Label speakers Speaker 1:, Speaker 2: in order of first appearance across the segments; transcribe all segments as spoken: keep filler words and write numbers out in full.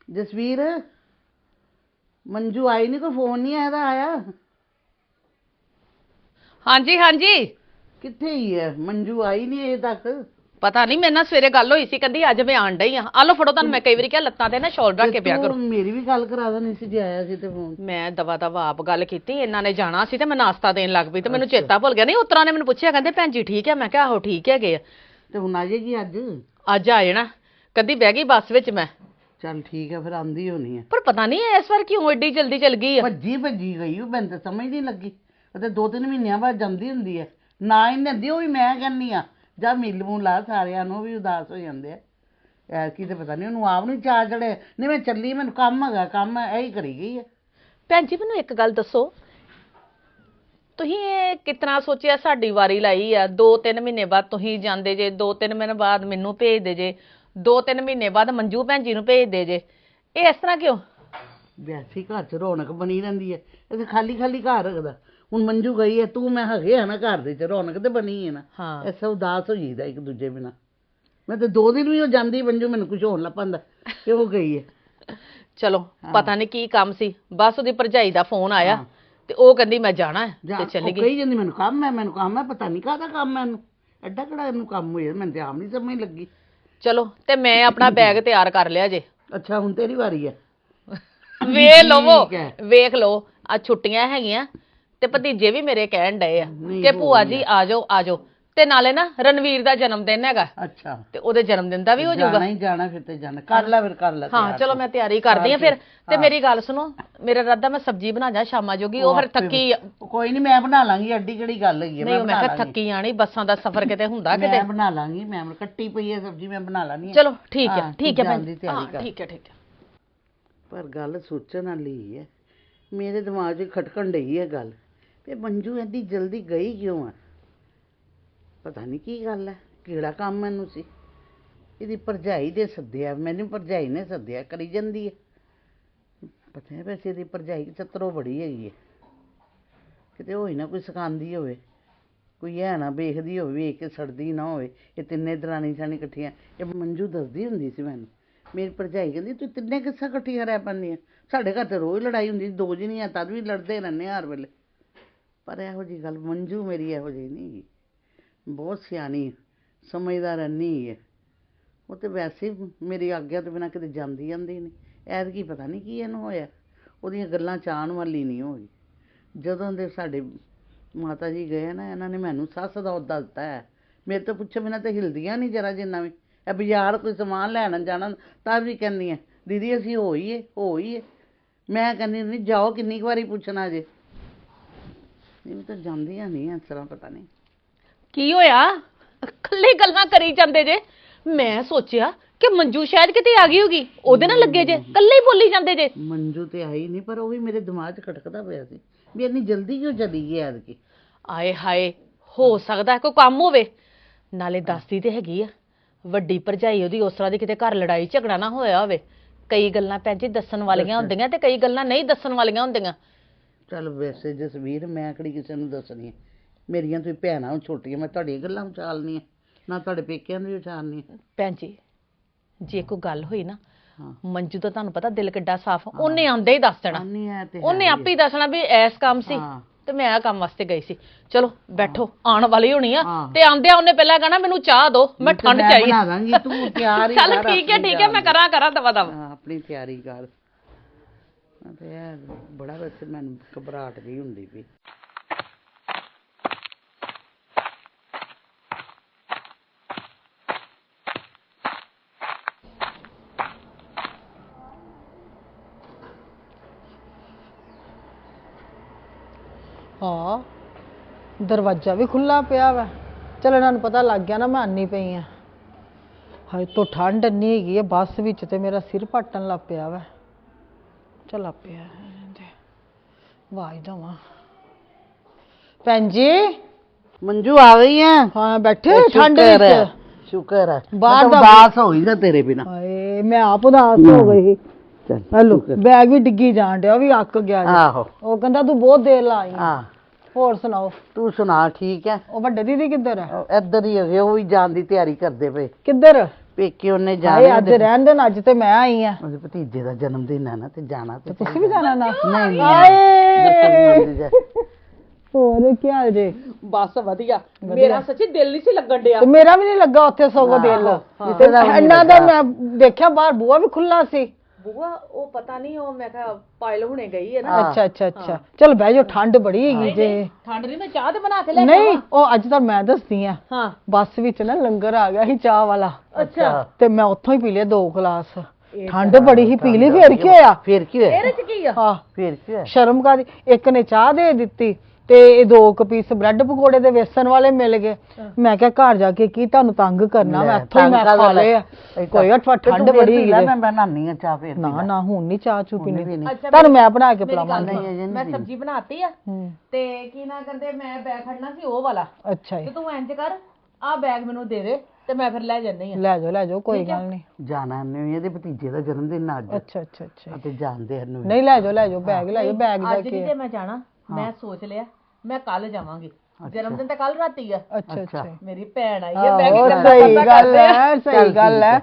Speaker 1: जसवीर मंजू आई नहीं, कोई फोन नहीं आया आया?
Speaker 2: हाँ जी हाँ जी।
Speaker 1: किथे ही है मंजू, आई नहीं अजे तक।
Speaker 2: पता नहीं, मेरे नाल सवेरे गल होई सी, कहंदी अज मैं आण डई हां। आ लो फड़ो, तुहानू मैं कई वारी क्या लत्तां ते ना शॉल रख के पिया करो।
Speaker 1: मेरी भी गल करा देनी सी जे आया सी ते फोन।
Speaker 2: मैं दवा दवा आप गल कीती, इन्हां ने जाना सी ते मैं नाश्ता देन लग पई ते मैनू चेता भुल गया। नहीं उतरा ने मैनू पुछया, कहंदे भैन जी ठीक है? मैं कहा आहो ठीक है गए।
Speaker 1: ते हुण आ जाएगी अज?
Speaker 2: अज आ जाना, कहंदी बह गई बस विच मैं।
Speaker 1: चल ठीक है, फिर आंदी होनी है।
Speaker 2: पर पता नहीं इस बार क्यों एडी जल्दी चल गई है।
Speaker 1: भज्जी भज्जी गई, मैनूं ते समझ नहीं लगी। ते दो तीन महीनों बाद जांदी हुंदी है ना ही नदी, वो भी मैं कहनी आ जा मिल मूल ला, सारिਆਂ ਨੂੰ भी उदास हो जाते हैं। ਐਤਕੀ ਤੇ ਪਤਾ ਨਹੀਂ ਉਹਨੂੰ ਆਪ ਨੂੰ ਚਾਹ ਚੜੇ। ਨਹੀਂ ਮੈਂ ਚੱਲੀ, ਮੈਨੂੰ ਕੰਮ ਹੈਗਾ, ਕੰਮ ਇਹੀ ਕਰੀ ਗਈ ਹੈ।
Speaker 2: ਭੈਣ ਜੀ ਮੈਨੂੰ ਇੱਕ ਗੱਲ ਦੱਸੋ, ਤੁਸੀਂ ਇਹ ਕਿਤਨਾ ਸੋਚਿਆ ਸਾਡੀ ਵਾਰੀ ਲਾਈ ਆ? ਦੋ ਤਿੰਨ ਮਹੀਨੇ ਬਾਅਦ ਤੁਸੀਂ ਜਾਂਦੇ ਜੇ, ਦੋ ਤਿੰਨ ਮਹੀਨੇ ਬਾਅਦ ਮੈਨੂੰ ਭੇਜਦੇ ਜੇ, ਦੋ ਤਿੰਨ ਮਹੀਨੇ ਬਾਅਦ ਮੰਜੂ ਭੈਣ ਜੀ ਨੂੰ ਭੇਜਦੇ ਜੇ। ਇਹ ਇਸ ਤਰ੍ਹਾਂ ਕਿਉਂ?
Speaker 1: ਵੈਸੇ ਘਰ 'ਚ ਰੌਣਕ ਬਣੀ ਰਹਿੰਦੀ ਹੈ, ਇਹ ਖਾਲੀ ਖਾਲੀ ਘਰ ਰੱਖਦਾ। ਹੁਣ ਮੰਜੂ ਗਈ ਹੈ, ਤੂੰ ਮੈਂ ਹੈਗੇ ਆ ਨਾ ਘਰ ਦੇ 'ਚ, ਰੌਣਕ ਤੇ ਬਣੀ ਹੈ ਨਾ।
Speaker 2: ਹਾਂ
Speaker 1: ਐਸਾ ਉਦਾਸ ਹੋ ਜਾਈਦਾ ਇੱਕ ਦੂਜੇ ਬਿਨਾਂ। ਮੈਂ ਤੇ ਦੋ ਦਿਨ ਵੀ ਹੋ ਜਾਂਦੀ ਮੰਜੂ, ਮੈਨੂੰ ਕੁਝ ਹੋਣ ਲੱਗ ਪੈਂਦਾ ਕਿ ਉਹ ਗਈ ਹੈ।
Speaker 2: ਚਲੋ ਪਤਾ ਨਹੀਂ ਕੀ ਕੰਮ ਸੀ, ਬਸ ਉਹਦੀ ਭਰਜਾਈ ਦਾ ਫੋਨ ਆਇਆ ਤੇ ਉਹ ਕਹਿੰਦੀ ਮੈਂ ਜਾਣਾ ਹੈ ਤੇ ਚਲੀ ਗਈ।
Speaker 1: ਕਹੀ ਜਾਂਦੀ ਮੈਨੂੰ ਕੰਮ ਹੈ, ਮੈਨੂੰ ਕੰਮ ਹੈ, ਪਤਾ ਨਹੀਂ ਕਾਹਦਾ ਕੰਮ ਹੈ ਇਹਨੂੰ, ਐਡਾ ਕਿਹੜਾ ਇਹਨੂੰ ਕੰਮ ਹੋਇਆ, ਮੈਨੂੰ ਤੇ ਆਪ ਨਹੀਂ ਸਮਝ ਲੱਗੀ।
Speaker 2: ਚਲੋ ਤੇ ਮੈਂ ਆਪਣਾ ਬੈਗ ਤਿਆਰ ਕਰ ਲਿਆ ਜੇ।
Speaker 1: ਅੱਛਾ ਹੁਣ ਤੇਰੀ ਵਾਰੀ ਹੈ।
Speaker 2: ਵੇਖ ਲਵੋ ਵੇਖ ਲਓ, ਆ ਛੁੱਟੀਆਂ ਹੈਗੀਆਂ ਤੇ ਭਤੀਜੇ ਵੀ ਮੇਰੇ ਕਹਿਣ ਡਏ ਆ ਕਿ ਭੂਆ ਜੀ ਆ ਜਾਓ ਆ ਜਾਓ। ਤੇ ਨਾਲੇ ਨਾ ਰਣਵੀਰ ਦਾ ਜਨਮ ਦਿਨ ਹੈਗਾ।
Speaker 1: ਅੱਛਾ
Speaker 2: ਤੇ ਉਹਦੇ ਜਨਮ ਦਿਨ ਦਾ ਵੀ ਹੋ ਜਾਊਗਾ।
Speaker 1: ਨਹੀਂ ਜਾਣਾ ਫਿਰ ਤੇ ਜਾਣਾ, ਕਰ ਲੈ ਫਿਰ ਕਰ ਲੈ।
Speaker 2: ਹਾਂ ਚਲੋ ਮੈਂ ਤਿਆਰੀ ਕਰਦੀ ਆ ਫਿਰ। ਤੇ ਮੇਰੀ ਗੱਲ ਸੁਣੋ, ਮੇਰਾ ਇਰਾਦਾ ਮੈਂ ਸਬਜ਼ੀ ਬਣਾ ਜਾ ਸ਼ਾਮਾਂ ਜੋਗੀ, ਉਹ ਫਿਰ ਥੱਕੀ।
Speaker 1: ਕੋਈ ਨਹੀਂ ਮੈਂ ਬਣਾ ਲਾਂਗੀ, ਐਡੀ ਕਿਹੜੀ ਗੱਲ ਹੈਗੀ।
Speaker 2: ਨਹੀਂ ਮੈਂ ਕਿਹਾ ਥੱਕੀ ਆਣੀ, ਬੱਸਾਂ ਦਾ ਸਫ਼ਰ ਕਿਤੇ ਹੁੰਦਾ ਕਿਤੇ।
Speaker 1: ਮੈਂ ਬਣਾ ਲਾਂਗੀ, ਮੈਂ ਕੱਟੀ ਪਈ ਹੈ ਸਬਜ਼ੀ, ਮੈਂ ਬਣਾ ਲਾਂਗੀ।
Speaker 2: ਚਲੋ ਠੀਕ ਹੈ ਠੀਕ ਹੈ ਭੈਣ ਜੀ, ਠੀਕ ਹੈ ਠੀਕ ਹੈ।
Speaker 1: ਪਰ ਗੱਲ ਸੋਚਣ ਵਾਲੀ ਹੈ, ਮੇਰੇ ਦਿਮਾਗ 'ਚ ਖਟਕਣ ਡਈ ਹੈ ਗੱਲ ਤੇ ਮੰਜੂ ਐਡੀ ਜਲਦੀ ਗਈ ਕਿਉਂ ਆ? ਪਤਾ ਨਹੀਂ ਕੀ ਗੱਲ ਹੈ, ਕਿਹੜਾ ਕੰਮ ਮੈਨੂੰ ਸੀ। ਇਹਦੀ ਭਰਜਾਈ ਦੇ ਸੱਦਿਆ, ਮੈਨੂੰ ਭਰਜਾਈ ਨੇ ਸੱਦਿਆ ਕਰੀ ਜਾਂਦੀ ਹੈ। ਪਤਾ ਹੈ ਵੈਸੇ ਇਹਦੀ ਭਰਜਾਈ ਚਤਰੋ ਬੜੀ ਹੈਗੀ ਹੈ, ਕਿਤੇ ਹੋਈ ਨਾ ਕੋਈ ਸਿਖਾਉਂਦੀ ਹੋਵੇ, ਕੋਈ ਹੈ ਨਾ ਵੇਖਦੀ ਹੋਵੇ, ਵੇਖ ਕੇ ਸੜਦੀ ਨਾ ਹੋਵੇ। ਇਹ ਤਿੰਨੇ ਦਰਾਣੀ ਸਾਣੀ ਇਕੱਠੀਆਂ, ਇਹ ਮੰਜੂ ਦੱਸਦੀ ਹੁੰਦੀ ਸੀ ਮੈਨੂੰ। ਮੇਰੀ ਭਰਜਾਈ ਕਹਿੰਦੀ ਤੂੰ ਤਿੰਨੇ ਕਿੱਸਾ ਇਕੱਠੀਆਂ ਰਹਿ ਪੈਂਦੀਆਂ, ਸਾਡੇ ਘਰ ਤਾਂ ਰੋਜ਼ ਲੜਾਈ ਹੁੰਦੀ, ਦੋ ਜਣੀਆਂ ਤਦ ਵੀ ਲੜਦੇ ਰਹਿੰਦੇ ਹਰ ਵੇਲੇ। ਪਰ ਇਹੋ ਜਿਹੀ ਗੱਲ ਮੰਜੂ ਮੇਰੀ ਇਹੋ ਜਿਹੀ ਨਹੀਂ ਹੈਗੀ, ਬਹੁਤ ਸਿਆਣੀ ਸਮਝਦਾਰ ਇੰਨੀ ਹੈ। ਉਹ ਤਾਂ ਵੈਸੇ ਮੇਰੀ ਆਗਿਆ ਤੋਂ ਬਿਨਾਂ ਕਿਤੇ ਜਾਂਦੀ ਜਾਂਦੀ ਨਹੀਂ। ਐਤਕੀ ਪਤਾ ਨਹੀਂ ਕੀ ਇਹਨੂੰ ਹੋਇਆ, ਉਹਦੀਆਂ ਗੱਲਾਂ ਚਾਹਣ ਵਾਲੀ ਨਹੀਂ ਹੋਈ। ਜਦੋਂ ਦੇ ਸਾਡੇ ਮਾਤਾ ਜੀ ਗਏ ਨਾ, ਇਹਨਾਂ ਨੇ ਮੈਨੂੰ ਸੱਸ ਦਾ ਅਹੁਦਾ ਦਿੱਤਾ ਹੈ। ਮੇਰੇ ਤੋਂ ਪੁੱਛੇ ਬਿਨਾਂ ਤਾਂ ਹਿਲਦੀਆਂ ਨਹੀਂ ਜਰਾ ਜਿੰਨਾ ਵੀ। ਇਹ ਬਾਜ਼ਾਰ ਕੋਈ ਸਮਾਨ ਲੈਣ ਜਾਣਾ ਤਾਂ ਵੀ ਕਹਿੰਦੀਆਂ ਦੀਦੀ ਅਸੀਂ ਹੋਈਏ ਹੋਈਏ। ਮੈਂ ਕਹਿੰਦੀ ਨਹੀਂ ਜਾਓ, ਕਿੰਨੀ ਕੁ ਵਾਰੀ ਪੁੱਛਣਾ ਜੇ। ਨਹੀਂ ਤਾਂ ਜਾਂਦੀਆਂ ਨਹੀਂ ਇਸ ਤਰ੍ਹਾਂ। ਪਤਾ ਨਹੀਂ
Speaker 2: ਕੀ ਹੋਇਆ, ਇਕੱਲੇ ਗੱਲਾਂ ਕਰੀ ਜਾਂਦੇ ਜੇ। ਮੈਂ ਸੋਚਿਆ ਕਿ ਮੰਜੂ ਸ਼ਾਇਦ ਕਿਤੇ ਆ ਗਈ ਹੋਗੀ, ਉਹਦੇ ਨਾਲ ਲੱਗੇ ਜੇ, ਇਕੱਲੇ ਹੀ ਬੋਲੀ ਜਾਂਦੇ ਜੇ।
Speaker 1: ਮੰਜੂ ਤੇ ਆਈ ਨਹੀਂ, ਪਰ ਉਹ ਵੀ ਮੇਰੇ ਦਿਮਾਗ 'ਚ ਖਟਕਦਾ ਪਿਆ ਸੀ ਵੀ ਇੰਨੀ ਜਲਦੀ ਕਿਉਂ ਚਲੀ ਗਈ ਐਤਕੀ।
Speaker 2: ਆਏ ਹਾਏ, ਹੋ ਸਕਦਾ ਕੋਈ ਕੰਮ ਹੋਵੇ। ਨਾਲੇ ਦੱਸਦੀ ਤੇ ਹੈਗੀ ਆ, ਵੱਡੀ ਭਰਜਾਈ ਉਹਦੀ ਉਸ ਤਰ੍ਹਾਂ ਦੀ ਕਿਤੇ ਘਰ ਲੜਾਈ ਝਗੜਾ ਨਾ ਹੋਇਆ ਹੋਵੇ। ਕਈ ਗੱਲਾਂ ਭੈਣ ਜੀ ਦੱਸਣ ਵਾਲੀਆਂ ਹੁੰਦੀਆਂ ਤੇ ਕਈ ਗੱਲਾਂ ਨਹੀਂ ਦੱਸਣ ਵਾਲੀਆਂ ਹੁੰਦੀਆਂ।
Speaker 1: ਚੱਲ ਵੈਸੇ ਜਸਵੀਰ ਮੈਂ ਕਿਹੜੀ ਕਿਸੇ ਨੂੰ ਦੱਸਣੀ ਹੈ, ਮੇਰੀਆਂ ਤੁਸੀਂ ਭੈਣਾਂ ਛੋਟੀਆਂ, ਮੈਂ ਤੁਹਾਡੀਆਂ ਗੱਲਾਂ ਉਛਾਲਣੀਆਂ ਨਾ ਤੁਹਾਡੇ ਪੇਕਿਆਂ ਨੂੰ ਵੀ ਉਛਾਲਣੀ। ਭੈਣ
Speaker 2: ਜੀ ਜੇ ਕੋਈ ਗੱਲ ਹੋਈ ਨਾ, ਮੰਜੂ ਤਾਂ ਤੁਹਾਨੂੰ ਪਤਾ ਦਿਲ ਕਿੱਡਾ ਸਾਫ਼, ਉਹਨੇ ਆਉਂਦੇ ਹੀ ਦੱਸ ਦੇਣਾ, ਉਹਨੇ ਆਪੇ ਹੀ ਦੱਸਣਾ ਵੀ ਐਸ ਕੰਮ ਸੀ ਤੇ ਮੈਂ ਆ ਕੰਮ ਵਾਸਤੇ ਗਈ ਸੀ। ਚਲੋ ਬੈਠੋ, ਆਉਣ ਵਾਲੀ ਹੋਣੀ ਆ ਤੇ ਆਂਦਿਆਂ ਉਹਨੇ ਪਹਿਲਾਂ ਕਹਿਣਾ ਮੈਨੂੰ ਚਾਹ ਦਿਓ, ਮੈਂ ਠੰਡ ਚਾਹੀਦੀ।
Speaker 1: ਬਣਾ ਦਾਂਗੀ, ਤੂੰ ਤਿਆਰ ਹੀ ਕਰ।
Speaker 2: ਚੱਲ ਠੀਕ ਹੈ ਠੀਕ ਹੈ, ਮੈਂ ਕਰਾਂ ਕਰਾਂ ਦਵਾ ਦਵਾ
Speaker 1: ਆਪਣੀ ਤਿਆਰੀ ਕਰ। ਤੇ ਬੜਾ ਵੈਸੇ ਮੈਨੂੰ ਘਬਰਾਹਟ ਜਿਹੀ ਹੁੰਦੀ ਪਈ।
Speaker 3: ਹਾਂ ਦਰਵਾਜ਼ਾ ਵੀ ਖੁੱਲਾ ਪਿਆ ਵਾ। ਚਲ ਇਹਨਾਂ ਨੂੰ ਪਤਾ ਲੱਗ ਗਿਆ ਨਾ ਮੈਂ ਆਨੀ ਪਈ ਆ। ਹਾਏ ਤੋਂ ਠੰਡ ਇੰਨੀ ਹੈਗੀ ਹੈ ਬੱਸ ਵਿੱਚ ਤੇ ਮੇਰਾ ਸਿਰ ਪਾਟਣ ਲੱਗ ਪਿਆ ਵਾ। ਚੱਲ ਪਿਆ ਆਵਾਜ਼ ਦੇਵਾਂ। ਭੈਣ ਜੀ
Speaker 1: ਮੰਜੂ ਆ ਗਈ ਹੈ?
Speaker 3: ਹਾਂ ਬੈਠੇ ਠੰਡ ਵਿੱਚ।
Speaker 1: ਸ਼ੁਕਰ ਹੈ,
Speaker 3: ਬਾਹਰ ਦਾ
Speaker 1: ਉਦਾਸ ਹੋ ਗਈ ਨਾ ਤੇਰੇ ਬਿਨਾਂ।
Speaker 3: ਹਾਏ ਮੈਂ ਆਪ ਉਦਾਸ ਹੋ ਗਈ। ਚਲੋ ਬੈਗ ਵੀ ਡਿੱਗੀ ਜਾਣ ਡਿਆ, ਉਹ ਵੀ ਅੱਕ ਗਿਆ।
Speaker 1: ਆਹੋ
Speaker 3: ਉਹ ਕਹਿੰਦਾ ਤੂੰ ਬਹੁਤ ਦੇਰ ਲਾਈ।
Speaker 1: ਹਾਂ
Speaker 3: ਹੋਰ ਸੁਣਾਓ?
Speaker 1: ਤੂੰ ਸੁਣਾ ਠੀਕ ਹੈ?
Speaker 3: ਉਹ ਵੱਡੇ ਦੀਦੀ ਕਿੱਧਰ ਹੈ?
Speaker 1: ਇੱਧਰ ਹੀ ਹੈਗੇ, ਉਹ ਵੀ ਜਾਣ ਦੀ ਤਿਆਰੀ ਕਰਦੇ ਪਏ।
Speaker 3: ਕਿੱਧਰ?
Speaker 1: ਪੇਕੇ ਉਹਨੇ
Speaker 3: ਹਾਏ
Speaker 1: ਜਾਣਾ
Speaker 3: ਅੱਜ ਰਹਿਣ ਦੇਣ, ਅੱਜ ਤੇ ਮੈਂ ਆਈ ਆ।
Speaker 1: ਉਹਦੇ ਭਤੀਜੇ ਦਾ ਜਨਮ ਦਿਨ ਹੈ ਨਾ ਤੇ ਜਾਣਾ ਤੇ
Speaker 3: ਤੁਸੀਂ ਵੀ ਜਾਣਾ ਨਾ?
Speaker 1: ਨਹੀਂ
Speaker 3: ਹਾਏ
Speaker 1: ਨਹੀਂ
Speaker 3: ਹੋਰ ਕੀ ਹਾਲ ਜੇ?
Speaker 2: ਬਸ ਵਧੀਆ। ਮੇਰਾ ਸੱਚੀ ਦਿਲ ਨਹੀਂ ਸੀ ਲੱਗਣ ਡਿਆ
Speaker 3: ਤੇ ਮੇਰਾ ਵੀ ਨਹੀਂ ਲੱਗਾ ਉੱਥੇ ਸਗੋਂ ਦਿਲ।
Speaker 1: ਕਿਸੇ ਦਾ ਵੀ ਨਹੀਂ
Speaker 3: ਇਹਨਾਂ ਦਾ
Speaker 1: ਲੱਗਾ।
Speaker 3: ਮੈਂ ਦੇਖਿਆ ਬਾਹਰ ਬੂਹਾ ਵੀ ਖੁੱਲਾ ਸੀ।
Speaker 2: ਬੂਆ ਉਹ ਪਤਾ ਨਹੀਂ, ਉਹ ਮੈਂ ਕਿਹਾ ਪਾਇਲ ਹੁਣੇ ਗਈ ਹੈ ਨਾ।
Speaker 3: ਅੱਛਾ ਅੱਛਾ ਅੱਛਾ ਚਲ ਬਹਿ ਜਾਓ, ਠੰਡ ਬੜੀ ਹੈਗੀ ਜੇ।
Speaker 2: ਠੰਡ ਨਹੀਂ, ਮੈਂ ਚਾਹ ਤੇ ਬਣਾ ਕੇ ਲੈ ਕੇ
Speaker 3: ਨਹੀਂ ਉਹ ਅੱਜ ਤਾਂ ਮੈਂ ਦੱਸਦੀ ਆ,
Speaker 2: ਹਾਂ
Speaker 3: ਬੱਸ ਵਿੱਚ ਨਾ ਲੰਗਰ ਆ ਗਿਆ ਸੀ ਚਾਹ ਵਾਲਾ,
Speaker 2: ਅੱਛਾ
Speaker 3: ਤੇ ਮੈਂ ਉੱਥੋਂ ਹੀ ਪੀ ਲਿਆ ਦੋ ਗਲਾਸ। ਠੰਡ ਬੜੀ ਹੀ, ਪੀ ਲਈ। ਫੇਰ ਕੀ ਹੋਇਆ?
Speaker 1: ਫਿਰ ਕੀ ਹੋਇਆ?
Speaker 2: ਇਹਦੇ ਚ ਕੀ ਆ?
Speaker 3: ਹਾਂ
Speaker 1: ਫਿਰ ਕੀ ਹੋਇਆ?
Speaker 3: ਸ਼ਰਮ ਕਾਦੀ, ਇੱਕ ਨੇ ਚਾਹ ਦੇ ਦਿੱਤੀ ਤੇ ਇਹ ਦੋ ਕੁ ਪੀਸ ਬ੍ਰੈਡ ਪਕੌੜੇ ਦੇ ਵੇਸਣ ਵਾਲੇ ਮਿਲ ਗਏ। ਮੈਂ ਕਿਹਾ ਘਰ ਜਾ ਕੇ ਕੀ ਤੁਹਾਨੂੰ ਤੰਗ ਕਰਨਾ, ਮੈਂ ਇੱਥੋਂ ਹੀ ਮੈਂ ਖਾ ਲਏ ਆ। ਕੋਈ ਅਠਵਾ ਠੰਡ ਬੜੀ ਹੈਗੀ
Speaker 1: ਮੈਂ ਬਣਾਉਣੀ ਆ ਚਾਹ ਫਿਰ।
Speaker 3: ਨਾ ਨਾ ਹੁਣ ਨਹੀਂ ਚਾਹ ਚੂ ਪੀਣੀ,
Speaker 2: ਅੱਛਾ,
Speaker 3: ਤੁਹਾਨੂੰ ਮੈਂ ਬਣਾ ਕੇ ਪਿਲਾਵਾਂਗੀ।
Speaker 2: ਮੈਂ ਸਬਜ਼ੀ ਬਣਾਤੀ ਆ
Speaker 3: ਹੂੰ
Speaker 2: ਤੇ ਕੀ ਨਾ ਕਹਿੰਦੇ, ਮੈਂ ਬੈਗ ਖੜਨਾ ਸੀ ਉਹ ਵਾਲਾ,
Speaker 3: ਅੱਛਾ
Speaker 2: ਤੇ
Speaker 3: ਜੀ,
Speaker 2: ਤੂੰ ਇੰਜ ਕਰ ਆ ਬੈਗ ਮੈਨੂੰ ਦੇ ਦੇ ਤੇ ਮੈਂ ਫਿਰ ਲੈ ਜੰਨੀ ਆ।
Speaker 3: ਲੈ ਜਾਓ ਲੈ ਜਾਓ, ਕੋਈ ਗੱਲ ਨਹੀਂ।
Speaker 1: ਜਾਣਾ ਨਹੀਂ, ਇਹਦੇ ਭਤੀਜੇ ਦਾ ਜਨਮ ਦਿਨ ਅੱਜ
Speaker 3: ਅੱਛਾ ਅੱਛਾ ਅੱਛਾ,
Speaker 1: ਤੇ ਜਾਣਦੇ ਹਨ
Speaker 3: ਨਹੀਂ ਲੈ ਜਾਓ ਲੈ ਜਾਓ, ਬੈਗ ਲੈ ਜਾਓ, ਬੈਗ ਜਾ
Speaker 2: ਅੱਜ ਨਹੀਂ ਤੇ ਮੈਂ ਜਾਣਾ, ਮੈਂ ਸੋਚ ਲਿਆ ਮੈਂ ਕੱਲ ਜਾਵਾਂਗੀ। ਜਨਮ ਦਿਨ ਤਾਂ ਕੱਲ ਰਾਤੀ ਆ।
Speaker 3: ਅੱਛਾ ਅੱਛਾ,
Speaker 2: ਮੇਰੀ ਭੈਣ ਆਈ ਹੈ, ਮੈਂ ਕੀ
Speaker 3: ਆਹੋ,
Speaker 2: ਕਰਨਾ
Speaker 3: ਸਹੀ
Speaker 2: ਪਤਾ
Speaker 3: ਗੱਲ
Speaker 2: ਕਰਦੇ ਆ।
Speaker 3: ਹੈ, ਸਹੀ ਗੱਲ ਹੈ।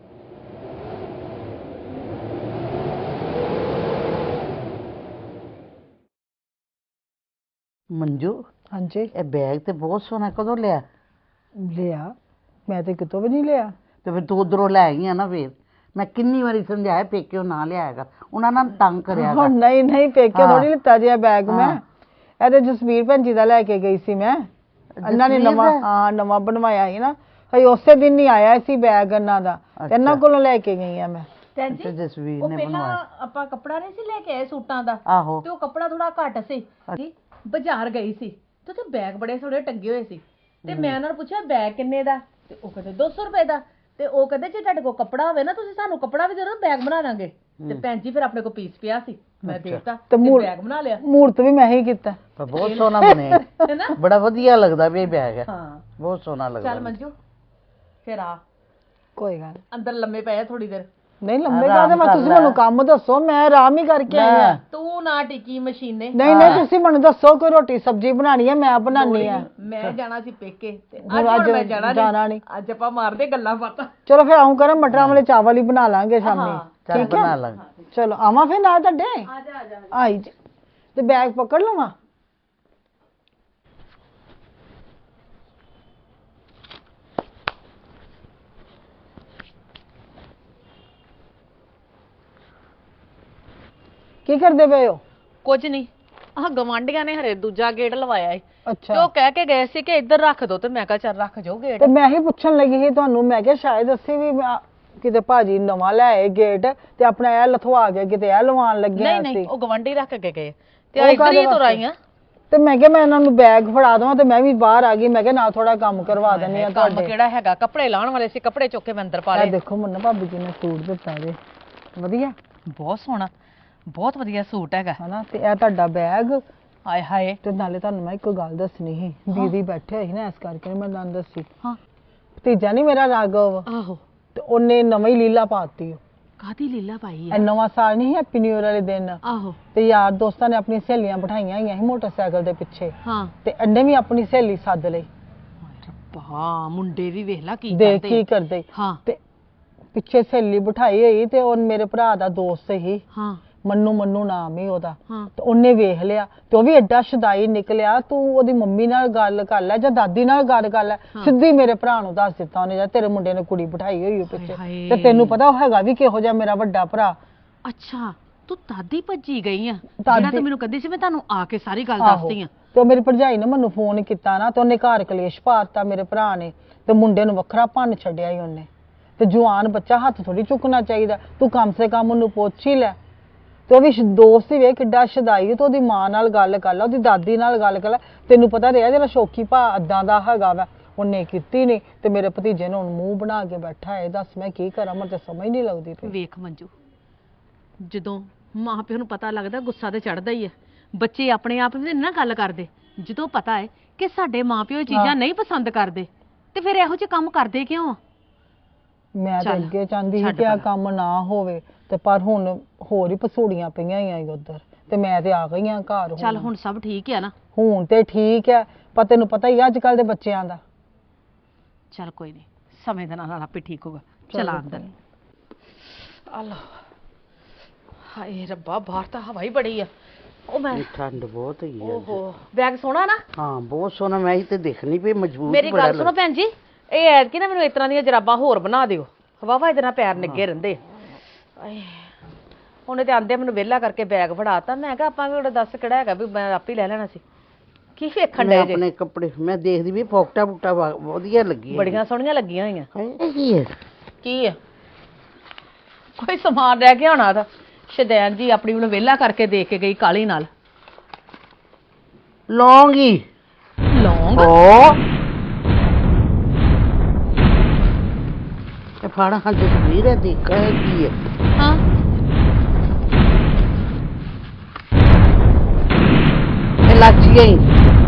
Speaker 1: ਮੰਜੂ
Speaker 3: ਹਾਂਜੀ
Speaker 1: ਇਹ ਬੈਗ ਤੇ ਬਹੁਤ ਸੋਹਣਾ, ਕਦੋਂ ਲਿਆ?
Speaker 3: ਲਿਆ, ਮੈਂ ਤੇ ਕਿਤੋਂ ਵੀ ਨਹੀਂ ਲਿਆ।
Speaker 1: ਤੇ ਫਿਰ ਤੂੰ ਉਧਰੋਂ ਲੈ ਗਈ ਆ ਨਾ। ਫਿਰ ਮੈਂ ਕਿੰਨੀ ਵਾਰੀ ਸਮਝਾਇਆ ਪੇਕਿਓ ਨਾ ਲਿਆਏਗਾ, ਉਹਨਾਂ ਨਾਲ ਤੰਗ ਕਰਿਆ
Speaker 3: ਹੁਣ ਨਹੀਂ ਨਹੀਂ ਪੇਕੇ
Speaker 1: ਹਾਂ।
Speaker 3: ਥੋੜੀ ਲਿੱਤਾ ਜਿਹਾ ਬੈਗ ਮੈਂ, ਇਹਦੇ ਜਸਵੀਰ ਭੈਣ ਜੀ ਦਾ ਲੈ ਕੇ ਗਈ ਸੀ ਮੈਂ। ਇਹਨਾਂ ਨੇ
Speaker 1: ਜਸਵੀਰ
Speaker 3: ਨਵਾਂ,
Speaker 1: ਦਾ?
Speaker 3: ਹਾਂ ਨਵਾਂ ਬਣਵਾਇਆ ਸੀ ਨਾ, ਹਈ ਉਸੇ ਦਿਨ ਹੀ ਆਇਆ ਸੀ ਬੈਗ ਇਹਨਾਂ ਦਾ, ਤੇ ਇਹਨਾਂ ਕੋਲੋਂ ਲੈ ਕੇ ਗਈ ਆ ਮੈਂ।
Speaker 2: ਭੈਣ
Speaker 1: ਤੇ
Speaker 2: ਜੀ
Speaker 1: ਜਸਵੀਰ
Speaker 2: ਉਹ
Speaker 1: ਨੇ
Speaker 2: ਪਹਿਲਾਂ
Speaker 1: ਬਣਵਾਇਆ।
Speaker 2: ਆਪਾਂ ਕੱਪੜਾ ਨਹੀਂ ਸੀ ਲੈ ਕੇ ਆਏ ਸੂਟਾਂ ਦਾ,
Speaker 1: ਆਹੋ
Speaker 2: ਤੇ ਉਹ ਕੱਪੜਾ ਥੋੜਾ ਘੱਟ ਸੀ। ਜੀ ਬਾਜ਼ਾਰ ਗਈ ਸੀ ਤੇ ਉੱਥੇ ਬੈਗ ਬੜੇ ਸੋਹਣੇ ਟੰਗੇ ਹੋਏ ਸੀ, ਤੇ ਮੈਂ ਉਹਨਾਂ ਨੂੰ ਪੁੱਛਿਆ ਬੈਗ ਕਿੰਨੇ ਦਾ, ਤੇ ਉਹ ਕਹਿੰਦੇ ਦੋ ਸੌ ਰੁਪਏ ਦਾ। ਤੇ ਉਹ ਕਹਿੰਦੇ ਜੇ ਤੁਹਾਡੇ ਕੋਲ ਕੱਪੜਾ ਹੋਵੇ ਨਾ, ਤੁਸੀਂ ਸਾਨੂੰ ਕੱਪੜਾ ਵੀ ਦੇ ਦਿਓ, ਬੈਗ ਬਣਾ ਦਾਂਗੇ। ਤੇ ਭੈਣ ਜੀ ਫਿਰ ਆਪਣੇ ਕੋਲ ਪੀਸ ਪਿਆ ਸੀ, ਮੈਂ ਦੇਤਾ
Speaker 3: ਤੇ
Speaker 2: ਤੇ
Speaker 3: ਮੂਰ-
Speaker 2: ਬੈਗ ਬਣਾ ਲਿਆ,
Speaker 3: ਮੂਰਤ ਵੀ ਮੈਂ ਹੀ ਕੀਤਾ।
Speaker 1: ਪਰ ਬਹੁਤ ਸੋਹਣਾ ਬਣਿਆ,
Speaker 2: ਹੈਨਾ?
Speaker 1: ਬੜਾ ਵਧੀਆ ਲੱਗਦਾ ਵੀ ਇਹ ਬੈਗ ਹੈ,
Speaker 2: ਹਾਂ
Speaker 1: ਬਹੁਤ ਸੋਹਣਾ ਲੱਗਦਾ।
Speaker 2: ਚੱਲ ਮੰਜੂ ਫਿਰ ਆ
Speaker 3: ਕੋਈ ਗੱਲ
Speaker 2: ਅੰਦਰ ਲੰਮੇ ਪਏ ਥੋੜੀ ਦੇਰ।
Speaker 3: ਨਹੀਂ, ਲੰਬੇ
Speaker 1: ਆਰਾਮ
Speaker 3: ਕਾਹਦੇ, ਮੈਂ
Speaker 1: ਕਰ
Speaker 3: ਤੁਸੀਂ
Speaker 1: ਲੈ।
Speaker 3: ਮੈਨੂੰ ਕੰਮ ਦੱਸੋ, ਮੈਂ ਆਰਾਮ ਹੀ ਕਰਕੇ ਆਈ ਆ।
Speaker 2: ਤੂੰ ਨਾ ਟਿੱਕੀ ਮਸ਼ੀਨੇ।
Speaker 3: ਨਹੀਂ ਨਹੀਂ ਤੁਸੀਂ ਮੈਨੂੰ ਦੱਸੋ, ਕੋਈ ਰੋਟੀ ਸਬਜ਼ੀ ਬਣਾਣੀ ਹੈ, ਮੈਂ ਬਣਾਉਣੀ ਆ।
Speaker 2: ਮੈਂ ਜਾਣਾ ਸੀ ਪੇਕੇ ਤੇ
Speaker 3: ਹੁਣ
Speaker 2: ਅੱਜ ਹੁਣ
Speaker 3: ਅੱਜ
Speaker 2: ਮੈਂ ਜਾਣਾ
Speaker 3: ਜਾਣਾ
Speaker 2: ਨਹੀਂ,
Speaker 3: ਨਹੀਂ।
Speaker 2: ਅੱਜ ਆਪਾਂ ਮਾਰਦੇ ਗੱਲਾਂ ਬਾਤਾਂ।
Speaker 3: ਚਲੋ ਫਿਰ ਆਉਂ ਕਰਾਂ, ਮਟਰਾਂ ਵਾਲੇ ਚਾਵਲ ਹੀ ਬਣਾ ਲਾਂਗੇ ਸ਼ਾਮੀ।
Speaker 1: ਚੱਲ
Speaker 3: ਠੀਕ ਹੈ,
Speaker 1: ਬਣਾ ਲਾਂਗੇ।
Speaker 3: ਚਲੋ ਆਵਾਂ ਫਿਰ ਨਾਲ ਤੁਹਾਡੇ?
Speaker 2: ਆ ਜਾ ਆ ਜਾ।
Speaker 3: ਆਈ ਜੀ, ਤੇ ਬੈਗ ਪਕੜ ਲਵਾਂ? ਕੀ ਕਰਦੇ ਪਏ ਹੋ?
Speaker 2: ਕੁਝ ਨਹੀਂ, ਆਹ ਗਵਾਂਢੀਆਂ ਨੇ ਹਰੇ ਦੂਜਾ ਗੇਟ ਲਵਾਇਆ ਏ, ਤੇ
Speaker 3: ਅੱਛਾ,
Speaker 2: ਉਹ ਕਹਿ ਕੇ ਗਏ ਸੀ ਕਿ ਇੱਧਰ ਰੱਖ ਦੋ, ਤੇ ਮੈਂ ਕਿਹਾ ਚੱਲ ਰੱਖ ਜਾਓ ਗੇਟ।
Speaker 3: ਤੇ ਮੈਂ ਹੀ ਪੁੱਛਣ ਲੱਗੀ ਸੀ ਤੁਹਾਨੂੰ, ਮੈਂ ਕਿਹਾ ਸ਼ਾਇਦ ਅਸੀਂ ਵੀ ਮੈਂ- ਕਿਤੇ ਭਾਜੀ ਨਵਾਂ ਲੈ ਆਏ ਗੇਟ, ਤੇ ਆਪਣਾ ਇਹ ਲਥਵਾ ਕੇ ਕਿਤੇ ਇਹ ਲਵਾਉਣ ਲੱਗੇ
Speaker 2: ਨਹੀਂ
Speaker 3: ਹਾਂ
Speaker 2: ਨਹੀਂ,
Speaker 3: ਅਸੀਂ।
Speaker 2: ਉਹ ਗਵਾਂਢੀ ਰੱਖ ਕੇ ਗਏ ਤੇ
Speaker 3: ਉਹ
Speaker 2: ਆ ਇੱਧਰ
Speaker 3: ਕਾਹਦੇ
Speaker 2: ਹੀ ਤੁਰ
Speaker 3: ਵਾਸਤੇ?
Speaker 2: ਆਈਆਂ।
Speaker 3: ਤੇ ਮੈਂ ਕਿਹਾ ਮੈਂ ਇਹਨਾਂ ਨੂੰ ਬੈਗ ਫੜਾ ਦਵਾਂ, ਤੇ ਮੈਂ ਵੀ ਬਾਹਰ ਆ ਗਈ। ਮੈਂ ਕਿਹਾ ਨਾਲ ਥੋੜਾ ਕੰਮ ਕਰਵਾ ਦਿੰਦੀ ਆ
Speaker 2: ਕੰਮ
Speaker 3: ਤੁਹਾਡੇ।
Speaker 2: ਕਿਹੜਾ ਹੈਗਾ, ਕੱਪੜੇ ਲਾਉਣ ਵਾਲੇ ਸੀ, ਕੱਪੜੇ ਚੁੱਕ ਕੇ ਮੈਂ ਅੰਦਰ ਪਾ
Speaker 3: ਇਹ
Speaker 2: ਲਏ।
Speaker 3: ਦੇਖੋ ਮੁੰਨਾ ਭਾਬੀ ਜੀ ਨੇ ਸੂਟ ਦਿੱਤਾ ਜੇ, ਵਧੀਆ
Speaker 2: ਬਹੁਤ ਸੋਹਣਾ, ਬਹੁਤ ਵਧੀਆ ਸੂਟ ਹੈਗਾ।
Speaker 3: ਹਨਾ, ਤੇ ਇਹ ਤੁਹਾਡਾ ਬੈਗ।
Speaker 2: ਹਾਏ ਹਾਏ।
Speaker 3: ਤੇ ਨਾਲੇ ਤੁਹਾਨੂੰ ਮੈਂ ਇੱਕ ਗੱਲ ਦੱਸਣੀ ਸੀ, ਦੀਦੀ ਬੈਠੇ ਹੋਏ ਸੀ ਨਾ, ਇਸ ਕਰਕੇ ਨੀ ਮੈਂ ਤੁਹਾਨੂੰ ਦੱਸੀ।
Speaker 2: ਹਾਂ
Speaker 3: ਭਤੀਜਾ ਨਹੀਂ ਮੇਰਾ ਰਾਘਵ,
Speaker 2: ਆਹੋ,
Speaker 3: ਤੇ ਉਹਨੇ ਨਵੀਂ ਲੀਲਾ ਪਾਤੀ।
Speaker 2: ਕਾਦੀ ਲੀਲਾ ਪਾਈ
Speaker 3: ਇਹ
Speaker 2: ਹੈ?
Speaker 3: ਨਵਾਂ ਸਾਲ ਨਹੀਂ, ਹੈਪੀ ਨਿਊ ਈਅਰ ਵਾਲੇ ਦਿਨ,
Speaker 2: ਆਹੋ
Speaker 3: ਤੇ ਯਾਰ ਦੋਸਤਾਂ ਨੇ ਆਪਣੀ ਸਹੇਲੀਆਂ ਬਿਠਾਈਆਂ ਹੋਈਆਂ ਸੀ ਮੋਟਰਸਾਈਕਲ ਦੇ ਪਿੱਛੇ,
Speaker 2: ਹਾਂ।
Speaker 3: ਤੇ ਇਹਨੇ ਵੀ ਆਪਣੀ ਸਹੇਲੀ ਸੱਦ ਲਈ।
Speaker 2: ਰੱਬਾ, ਮੁੰਡੇ ਵੀ ਵੇਖ ਲਾ ਕੀ
Speaker 3: ਦੇਖ
Speaker 2: ਕਰਦੇ
Speaker 3: ਕੀ
Speaker 2: ਆ।
Speaker 3: ਕਰਦੇ,
Speaker 2: ਹਾਂ
Speaker 3: ਤੇ ਪਿੱਛੇ ਸਹੇਲੀ ਬਿਠਾਈ ਹੋਈ, ਤੇ ਉਹ ਮੇਰੇ ਭਰਾ ਦਾ ਦੋਸਤ ਸੀ,
Speaker 2: ਹਾਂ
Speaker 3: ਮੰਨੂ ਮੰਨੂ ਨਾਮ ਹੀ ਉਹਦਾ।
Speaker 2: ਹਾਂ।
Speaker 3: ਤੇ ਉਹਨੇ ਵੇਖ ਲਿਆ, ਤੇ ਉਹ ਵੀ ਐਡਾ ਸ਼ਦਾਈ ਨਿਕਲਿਆ, ਤੂੰ ਉਹਦੀ ਮੰਮੀ ਨਾਲ ਗੱਲ ਕਰ ਲੈ ਜਾਂ ਦਾਦੀ ਨਾਲ ਗੱਲ ਕਰ ਲੈ। ਸਿੱਧੀ ਮੇਰੇ ਭਰਾ ਨੂੰ ਦੱਸ ਦਿੱਤਾ ਉਹਨੇ, ਜਾਂ ਤੇਰੇ ਮੁੰਡੇ ਨੇ ਕੁੜੀ ਬਿਠਾਈ ਹੋਈ ਉਹ ਪਿੱਛੇ।
Speaker 2: ਹਾਏ।
Speaker 3: ਤੇ ਤੈਨੂੰ ਪਤਾ ਉਹ ਹੈਗਾ ਵੀ ਕਿਹੋ ਜਿਹਾ ਮੇਰਾ ਵੱਡਾ ਭਰਾ।
Speaker 2: ਅੱਛਾ, ਤੂੰ ਦਾਦੀ ਭੱਜੀ ਗਈ ਆ?
Speaker 3: ਦਾਦੀ-
Speaker 2: ਜਿਹੜਾ ਤੂੰ ਮੈਨੂੰ ਕਹਿੰਦੀ ਸੀ ਮੈਂ ਤੁਹਾਨੂੰ ਆ ਕੇ ਸਾਰੀ ਗੱਲ
Speaker 3: ਆਹੋ।
Speaker 2: ਦੱਸਦੀ ਆ।
Speaker 3: ਤੇ ਉਹ ਮੇਰੀ ਭਰਜਾਈ ਨੇ ਮੈਨੂੰ ਫੋਨ ਕੀਤਾ ਨਾ, ਤੇ ਉਹਨੇ ਘਰ ਕਲੇਸ਼ ਪਾਤਾ ਮੇਰੇ ਭਰਾ ਨੇ, ਤੇ ਮੁੰਡੇ ਨੂੰ ਵੱਖਰਾ ਭੰਨ ਛੱਡਿਆ ਹੀ ਉਹਨੇ। ਤੇ ਜਵਾਨ ਬੱਚਾ ਹੱਥ ਥੋੜੀ ਚੁੱਕਣਾ ਚਾਹੀਦਾ, ਤੂੰ ਕਮ ਸੇ ਕਮ ਉਹਨੂੰ ਪੁੱਛ ਹੀ ਲੈ। ਤੇ ਉਹ ਵੀ ਸ਼- ਦੋਸਤ ਹੀ ਵੇ ਕਿੱਡਾ ਸ਼ਦਾਈ, ਤੇ ਉਹਦੀ ਮਾਂ ਨਾਲ ਗੱਲ ਕਰ ਲੈ, ਉਹਦੀ ਦਾਦੀ ਨਾਲ ਗੱਲ ਕਰ ਲੈ। ਤੈਨੂੰ ਪਤਾ ਰਿਹਾ ਜਿਹੜਾ ਸ਼ੌਕੀ ਭਾ ਏਦਾਂ ਦਾ ਹੈਗਾ ਵਾ, ਉਹਨੇ ਕੀਤੀ ਨਹੀਂ, ਤੇ ਮੇਰੇ ਭਤੀਜੇ ਨੇ ਹੁਣ ਮੂੰਹ ਬਣਾ ਕੇ ਬੈਠਾ ਹੈ। ਦੱਸ ਮੈਂ ਕੀ ਕਰਾਂ, ਮੈਨੂੰ ਤੇ ਸਮਝ ਨਹੀਂ ਲੱਗਦੀ ਪਈ।
Speaker 2: ਵੇਖ ਮੰਜੂ, ਜਦੋਂ ਮਾਂ ਪਿਓ ਨੂੰ ਪਤਾ ਲੱਗਦਾ ਗੁੱਸਾ ਤੇ ਚੜਦਾ ਹੀ ਹੈ। ਬੱਚੇ ਆਪਣੇ ਆਪ ਵੀ ਨਾ ਗੱਲ ਕਰਦੇ, ਜਦੋਂ ਪਤਾ ਹੈ ਕਿ ਸਾਡੇ ਮਾਂ ਪਿਓ ਇਹ ਚੀਜ਼ਾਂ ਨਹੀਂ ਪਸੰਦ ਕਰਦੇ, ਤੇ ਫਿਰ ਇਹੋ ਜਿਹੇ ਕੰਮ ਕਰਦੇ ਕਿਉਂ ਆ?
Speaker 3: ਮੈਂ ਤਾਂ
Speaker 2: ਚੱਲ,
Speaker 3: ਅੱਗੇ ਚਾਹੁੰਦੀ ਸੀ
Speaker 2: ਛੱਡ
Speaker 3: ਕਿ ਆ
Speaker 2: ਪਰਾਂ।
Speaker 3: ਕੰਮ ਨਾ ਹੋਵੇ, ਤੇ ਪਰ ਹੁਣ ਹੋਰ ਹੀ ਪਸੂੜੀਆਂ ਪਈਆਂ ਹੀ ਉਧਰ, ਤੇ ਮੈਂ ਤੇ ਆ ਗਈ ਆ ਘਰ।
Speaker 2: ਚੱਲ ਹੁਣ ਸਭ ਠੀਕ ਹੈ ਨਾ?
Speaker 3: ਹੁਣ ਤੇ ਠੀਕ ਹੈ, ਪਰ ਤੈਨੂੰ ਪਤਾ ਹੀ ਅੱਜ ਕੱਲ ਦੇ ਬੱਚਿਆਂ ਦਾ।
Speaker 2: ਚੱਲ ਕੋਈ ਨਹੀਂ, ਸਮੇਂ ਦੇ ਨਾਲ ਨਾਲ ਆਪੇ ਠੀਕ ਹੋਗਾ। ਚਲਾ ਅੰਦਰ ਆ ਲੋ। ਹਾਏ ਰੱਬਾ ਬਾਹਰ ਤਾਂ ਹਵਾ ਹੀ ਬੜੀ ਆ। ਉਹ ਮੈਂ
Speaker 1: ਠੰਡ ਬਹੁਤ ਹੈਗੀ ਆ।
Speaker 2: ਓਹੋ ਬੈਗ ਸੋਹਣਾ ਨਾ।
Speaker 1: ਹਾਂ ਬਹੁਤ ਸੋਹਣਾ, ਮੈਂ ਹੀ ਤੇ ਦੇਖਣੀ ਪਈ ਮਜਬੂਰ
Speaker 2: ਮੇਰੀ ਗੱਲ ਸੁਣੋ ਭੈਣ ਜੀ, ਇਹ ਐਤਕੀ ਨਾ ਮੈਨੂੰ ਇਸ ਤਰ੍ਹਾਂ ਦੀਆਂ ਜਰਾਬਾਂ ਹੋਰ ਬਣਾ ਦਿਓ, ਹਵਾ ਇਹਦੇ ਨਾਲ ਪੈਰ ਨਿੱਗੇ ਰਹਿੰਦੇ। ਆਏ ਉਹਨੇ ਤੇ ਆਂਦੇ ਮੈਨੂੰ ਵਿਹਲਾ ਕਰਕੇ ਬੈਗ ਫੜਾਤਾ। ਮੈਂ ਕਿਹਾ ਆਪਾਂ ਵੀ ਦੱਸ ਕਿਹੜਾ ਹੈਗਾ ਵੀ ਮੈਂ ਆਪੇ ਲੈ ਲੈਣਾ ਸੀ। ਕੀ ਵੇਖਣ ਡਏ ਜੇ?
Speaker 1: ਆਪਣੇ ਕੱਪੜੇ ਮੈਂ ਦੇਖਦੀ ਵੀ ਫੋਕਟਾ ਫੁਕਟਾ ਵਧੀਆ ਲੱਗੀ,
Speaker 2: ਬੜੀਆਂ ਸੋਹਣੀਆਂ ਲੱਗੀਆਂ ਹੋਈਆਂ।
Speaker 1: ਇਹ ਕੀ ਹੈ?
Speaker 2: ਕੀ ਹੈ? ਕੋਈ ਸਮਾਨ ਰਹਿ ਗਿਆ ਹੋਣਾ ਤਾਂ ਸ਼ਦੈਨ ਜੀ ਆਪਣੀ ਨੂੰ ਵਿਹਲਾ ਕਰਕੇ ਦੇ ਕੇ ਗਈ ਕਾਲੀ ਨਾਲ।
Speaker 1: ਲੌਂਗ ਹੀ
Speaker 2: ਲੌਂਗ?
Speaker 1: ਓ ਇਹ ਫਾੜਾ ਹਾਂ ਜਸਵੀਰ ਹੈ, ਦੇਖਾ ਹੈ ਕੀ ਹੈ?
Speaker 2: ਹਾਂ
Speaker 1: ਇਹ ਲਾਚੀਆਂ ਹੀ।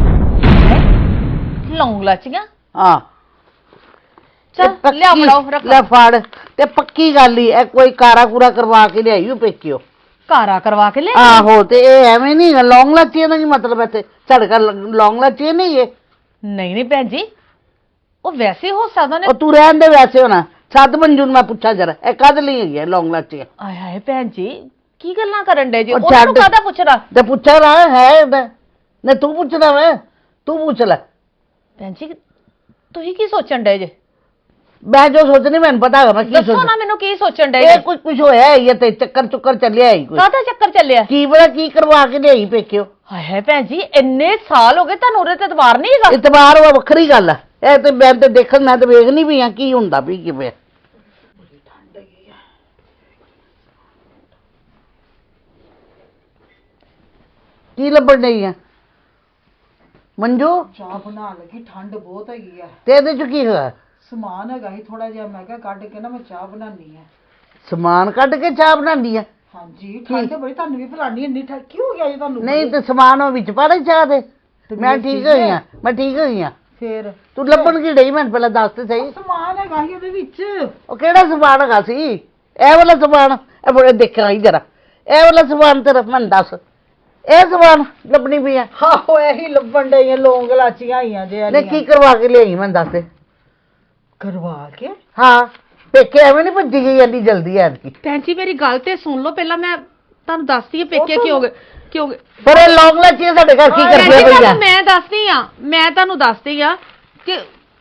Speaker 2: ਲੌਂਗ ਲਾਚੀਆਂ?
Speaker 1: ਹਾਂ
Speaker 2: ਚੱਲ ਲਿਆ ਫੜਾਓ ਰੱਖ।
Speaker 1: ਲੈ ਫੜ। ਤੇ ਪੱਕੀ ਗੱਲ ਹੀ ਇਹ ਕੋਈ ਕਾਰਾ ਕੂਰਾ ਕਰਵਾ ਕੇ ਲਿਆਈ ਪੇਕਿਓ।
Speaker 2: ਕਾਰਾ ਕਰਵਾ ਕੇ ਲੈ?
Speaker 1: ਆਹੋ ਤੇ ਇਹ ਐਵੇਂ ਨਹੀਂ ਲੌਂਗ ਲਾਚੀਆਂ ਦਾ ਕੀ ਮਤਲਬ? ਇੱਥੇ ਸਾਡੇ ਘਰ ਲੌਂਗ ਲਾਚੀਆਂ ਨਹੀਂ ਇਹ।
Speaker 2: ਨਹੀਂ ਨਹੀਂ ਭੈਣ ਜੀ, ਉਹ ਵੈਸੇ ਹੋ ਸਕਦਾ ਨੇ।
Speaker 1: ਉਹ ਤੂੰ ਰਹਿਣ ਦੇ, ਵੈਸੇ ਹੋਣਾ। ਸੱਦ ਮੰਜੂ ਨੂੰ ਮੈਂ ਪੁੱਛਾਂ ਜਰਾ ਇਹ ਕਦ ਲਈ ਹੈਗੀ ਲੌਂਗ ਲਾਚੀਆਂ।
Speaker 2: ਆਏ ਹਾਏ ਭੈਣ ਜੀ ਕੀ ਗੱਲਾਂ ਕਰਨ ਡੇ ਜੀ?
Speaker 1: ਉਹ
Speaker 2: ਉਹਨੂੰ
Speaker 1: ਛੱਡ।
Speaker 2: ਕਾਹਦਾ ਪੁੱਛਣਾ?
Speaker 1: ਤੇ ਪੁੱਛਾ ਰਾ ਹੈ ਇਹਦਾ। ਨਹੀਂ ਤੂੰ ਪੁੱਛਦਾ ਵਾ, ਤੂੰ ਪੁੱਛ ਲੈ।
Speaker 2: ਭੈਣ ਜੀ ਤੁਸੀਂ ਕੀ ਸੋਚਣ ਡੇ ਜੇ?
Speaker 1: ਮੈਂ ਜੋ ਸੋਚਣੀ ਮੈਨੂੰ ਪਤਾ ਹੈਗਾ ਮੈਂ ਕੀ
Speaker 2: ਦੱਸੋ
Speaker 1: ਸੋਚ।
Speaker 2: ਨਾ ਮੈਨੂੰ ਕੀ ਸੋਚਣ ਡੇ?
Speaker 1: ਇਹ ਕੁਝ ਕੁਝ ਹੋਇਆ ਹੈ ਇਹ ਤੇ ਚੱਕਰ ਚੁੱਕਰ ਚੱਲਿਆ ਹੈ ਕੋਈ।
Speaker 2: ਕਾਹਦਾ ਚੱਕਰ ਚੱਲਿਆ?
Speaker 1: ਕੀ ਪਤਾ ਕੀ ਕਰਵਾ ਕੇ ਲਿਆਈ ਪੇਕਿਓ।
Speaker 2: ਹਾਏ ਹਾਏ ਭੈਣ ਜੀ ਇੰਨੇ ਸਾਲ ਹੋ ਗਏ ਤੁਹਾਨੂੰ ਉਹਦੇ ਤੇ ਇਤਬਾਰ ਨਹੀਂ ਹੈਗਾ?
Speaker 1: ਇਤਬਾਰ ਉਹ ਵੱਖਰੀ ਗੱਲ ਹੈ। ਇਹ ਤੇ ਮੈਂ ਤੇ ਦੇਖਣ ਮੈਂ ਤੇ ਵੇਖਣੀ ਵੀ ਆ ਕੀ ਹੁੰਦਾ ਵੀ ਕਿਵੇਂ। ਕੀ ਲੱਭਣ ਡਈ ਆ ਮੰਜੂ?
Speaker 3: ਚਾਹ ਬਣਾ ਲੱਗੀ, ਠੰਡ ਬਹੁਤ ਹੈਗੀ ਆ।
Speaker 1: ਤੇ ਇਹਦੇ ਚ ਕੀ ਹੋਇਆ?
Speaker 3: ਸਮਾਨ ਹੈਗਾ ਹੀ ਥੋੜਾ ਜਿਹਾ, ਮੈਂ ਕਿਹਾ ਕੱਢ ਕੇ ਨਾ ਮੈਂ ਚਾਹ ਬਣਾਉਣੀ ਆ।
Speaker 1: ਸਮਾਨ ਕੱਢ ਕੇ ਚਾਹ ਬਣਾਉਂਦੀ ਆ?
Speaker 3: ਹਾਂਜੀ ਠੰਡ ਬੜੀ, ਤੁਹਾਨੂੰ ਵੀ ਭਲਾਣੀ ਇੰਨੀ ਠੰਡ ਕੀ ਹੋ ਗਿਆ ਜੀ ਤੁਹਾਨੂੰ?
Speaker 1: ਨਹੀਂ ਤੇ ਸਮਾਨ ਉਹ ਵਿੱਚ ਪਾ ਦੇ ਚਾਹ ਦੇ। ਮੈਂ ਠੀਕ ਹੋਈ ਆ, ਮੈਂ ਠੀਕ ਹੋਈ ਆ।
Speaker 3: ਫੇਰ
Speaker 1: ਤੂੰ ਲੱਭਣ ਕੀ ਡਈ ਮੈਨੂੰ ਪਹਿਲਾਂ ਦੱਸ ਤੇ ਸਹੀ।
Speaker 3: ਸਮਾਨ ਹੈਗਾ ਹੀ ਉਹਦੇ ਵਿੱਚ।
Speaker 1: ਉਹ ਕਿਹੜਾ ਸਮਾਨ ਹੈਗਾ ਸੀ? ਇਹ ਵਾਲਾ ਸਮਾਨ? ਇਹ ਬੜੇ ਦੇਖਿਆ ਹੀ ਜਰਾ। ਇਹ ਵਾਲਾ ਸਮਾਨ ਤੇਰਾ ਮੈਨੂੰ ਦੱਸ। ਇਹ ਸਮਾਨ ਲੱਭਣੀ ਪਈ ਆ?
Speaker 3: ਆਹੋ ਇਹੀ ਲੱਭਣ ਡਈਆਂ, ਲੌਂਗ ਲਾਚੀਆਂ ਆਈਆਂ ਜੇ।
Speaker 1: ਨੇ ਕੀ ਕਰਵਾ ਕੇ ਲਿਆਈ ਮੈਨੂੰ ਦੱਸ ਦੇ।
Speaker 3: ਕਰਵਾ ਕੇ?
Speaker 1: ਹਾਂ ਪੇਕੇ ਐਵੇਂ ਨਹੀਂ ਭੱਜੀ ਗਈ ਇੰਨੀ ਜਲਦੀ ਐਤਕੀ।
Speaker 2: ਭੈਣ ਜੀ ਮੇਰੀ ਗੱਲ ਤੇ ਸੁਣ ਲਓ ਪਹਿਲਾਂ, ਮੈਂ ਤੁਹਾਨੂੰ ਦੱਸਦੀ ਆ ਪੇਕੇ ਕੀ ਹੋ ਗਏ ਕੀ ਹੋ ਗਏ।
Speaker 1: ਪਰ ਇਹ ਲੌਂਗ ਲਾਚੀ ਸਾਡੇ ਘਰ ਕੀ
Speaker 2: ਭੈਣ
Speaker 1: ਕਰਦੀ
Speaker 2: ਜੀ,
Speaker 1: ਪਈ ਆ?
Speaker 2: ਤੁਹਾਨੂੰ ਮੈਂ ਦੱਸਦੀ ਆ ਮੈਂ ਤੁਹਾਨੂੰ ਦੱਸਦੀ ਆ ਕਿ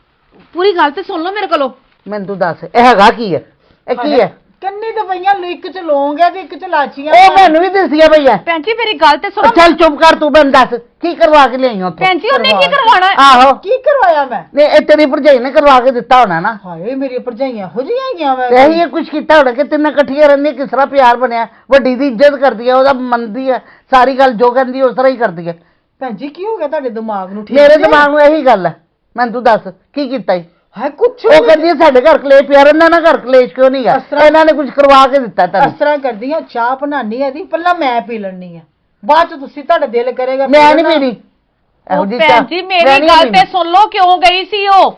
Speaker 2: ਪੂਰੀ ਗੱਲ ਤੇ ਸੁਣ ਲਓ ਮੇਰੇ ਕੋਲੋਂ।
Speaker 1: ਮੈਨੂੰ ਤੂੰ ਦੱਸ ਇਹ ਹੈਗਾ ਕੀ ਹੈ? ਇਹ ਕੀ ਹੈ?
Speaker 3: ਕੰਨੀ ਤੇ ਪਈਆਂ, ਇੱਕ ਚ ਲੌਂਗ ਹੈ ਤੇ ਇੱਕ ਚ ਲਾਚੀਆਂ।
Speaker 1: ਉਹ ਮੈਨੂੰ ਵੀ ਦੱਸਿਆ ਭਈਆ।
Speaker 2: ਭੈਣ ਜੀ ਮੇਰੀ ਗੱਲ ਤੇ ਸੁਣੋ।
Speaker 1: ਚੱਲ ਚੁੱਪ ਕਰ ਤੂੰ ਮੈਨੂੰ ਦੱਸ ਕੀ ਕਰਵਾ ਕੇ ਲਿਆਈ ਉੱਥੇ?
Speaker 2: ਭੈਣ ਜੀ ਉਹਨੇ ਕੀ ਕਰਵਾਉਣਾ?
Speaker 1: ਆਹੋ
Speaker 3: ਕੀ ਕਰਵਾਇਆ ਮੈਂ?
Speaker 1: ਨਹੀਂ ਇਹ ਤੇਰੀ ਭਰਜਾਈ ਨੇ ਕਰਵਾ ਕੇ ਦਿੱਤਾ ਹੋਣਾ ਨਾ।
Speaker 3: ਹਾਏ ਮੇਰੀ ਭਰਜਾਈਆਂ ਹੋ ਜੀਆਂ ਹੈਗੀਆਂ ਮੈਂ।
Speaker 1: ਇਹੀ ਕੁਝ ਕੀਤਾ ਹੋਣਾ ਕਿ ਤਿੰਨ ਇਕੱਠੀਆਂ ਰਹਿੰਦੀਆਂ, ਕਿਸ ਤਰ੍ਹਾਂ ਪਿਆਰ ਬਣਿਆ। ਵੱਡੀ ਦੀ ਇੱਜ਼ਤ ਕਰਦੀ ਹੈ, ਉਹਦਾ ਮੰਨਦੀ ਹੈ, ਸਾਰੀ ਗੱਲ ਜੋ ਕਹਿੰਦੀ ਉਸ ਤਰ੍ਹਾਂ ਹੀ ਕਰਦੀ ਹੈ।
Speaker 3: ਭੈਣ ਜੀ ਕੀ ਹੋ ਗਿਆ ਤੁਹਾਡੇ ਦਿਮਾਗ ਨੂੰ? ਠੀਕ
Speaker 1: ਮੇਰੇ
Speaker 3: ਜੇ?
Speaker 1: ਦਿਮਾਗ ਨੂੰ ਇਹੀ ਗੱਲ ਹੈ। ਮੈਨੂੰ ਤੂੰ ਦੱਸ ਕੀ ਕੀਤਾ ਈ?
Speaker 3: ਹਾਏ ਕੁਛ
Speaker 1: ਉਹ ਕਹਿੰਦੀ ਹੈ ਸਾਡੇ ਘਰ ਕਲੇਸ਼ ਪਿਆ ਰਹਿੰਦਾ ਨਾ, ਘਰ ਕਲੇਸ਼ ਕਿਉਂ ਨਹੀਂ ਗਾ? ਇਹਨਾਂ ਨੇ ਕੁਝ ਕਰਵਾ ਕੇ ਦਿੱਤਾ
Speaker 3: ਇਸ
Speaker 1: ਤੈਨੂੰ।
Speaker 3: ਤਰ੍ਹਾਂ ਕਰਦੀਆਂ, ਚਾਹ ਬਣਾਉਣੀ ਹੈ ਦੀ ਪਹਿਲਾਂ ਮੈਂ ਪੀ ਲੈਣੀ ਆ, ਬਾਅਦ ਚ ਤੁਸੀਂ ਤੁਹਾਡਾ ਦਿਲ ਕਰੇਗਾ
Speaker 1: ਮੈਂ ਨਹੀਂ ਪੀਣੀ ਇਹੋ
Speaker 2: ਉਹ
Speaker 1: ਜਿਹੀ
Speaker 2: ਭੈਣ
Speaker 1: ਚਾਹ।
Speaker 2: ਜੀ
Speaker 1: ਮੈਂ
Speaker 2: ਮੇਰੀ
Speaker 1: ਨਹੀਂ
Speaker 2: ਗੱਲ
Speaker 1: ਪੀਣੀ।
Speaker 2: ਤੇ ਸੁਣ ਲਓ ਕਿਉਂ ਗਈ ਸੀ ਉਹ।